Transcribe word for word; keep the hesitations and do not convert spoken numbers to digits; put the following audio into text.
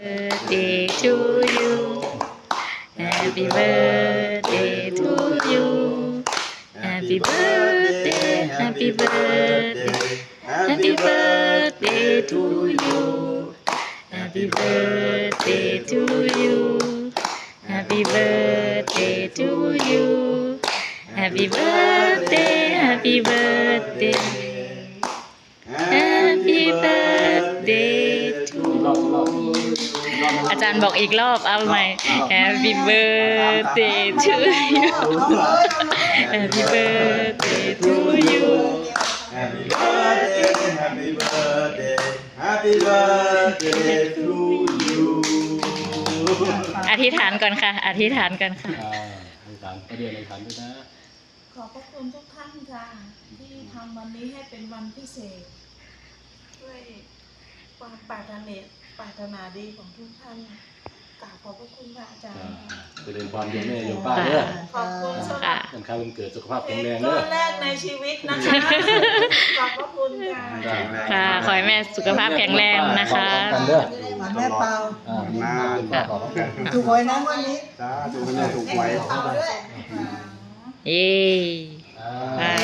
birthday to you Happy birthday to you Happy birthday Happy birthday Happy birthday to you Happy birthday to you Happy birthday to you Happy birthday Happy birthday Happy birthday to you อาจารย์บอกอีกรอบเอาใหม่ Happy birthday to you Happy birthday to you Happy birthday Happy birthday Happy birthday to you อธิษฐานก่อนค่ะอธิษฐานก่อนค่ะอ่าอธิษฐานประเดี๋ยวอธิษฐานด้วยนะขอบพระคุณทุกท่านค่ะที่ทำวันนี้ให้เป็นวันพิเศษด้วยความปรารถนาปรารถนาดีของทุกท่านกราบขอบพระคุณค่ะอาจารอ่าย์จะเดินความโยมแม่โยมป้าเด้อขอบคุณสำหรับวันข้าววันเกิดสุขภาพเค้แข็งกแรงก้เด้ออนแรกในชีวิตนะคะขอบพระคุณค่ะค่ะ ขอให้แม่สุขภาพแข็งแรงนะคะกันเด้อหวานแม่เปาอ่ามาป้าขอบคุณถูกหวยนะวันนี้จ้าถูกแม่ถูกไว้เปาด้วยเย้อ่า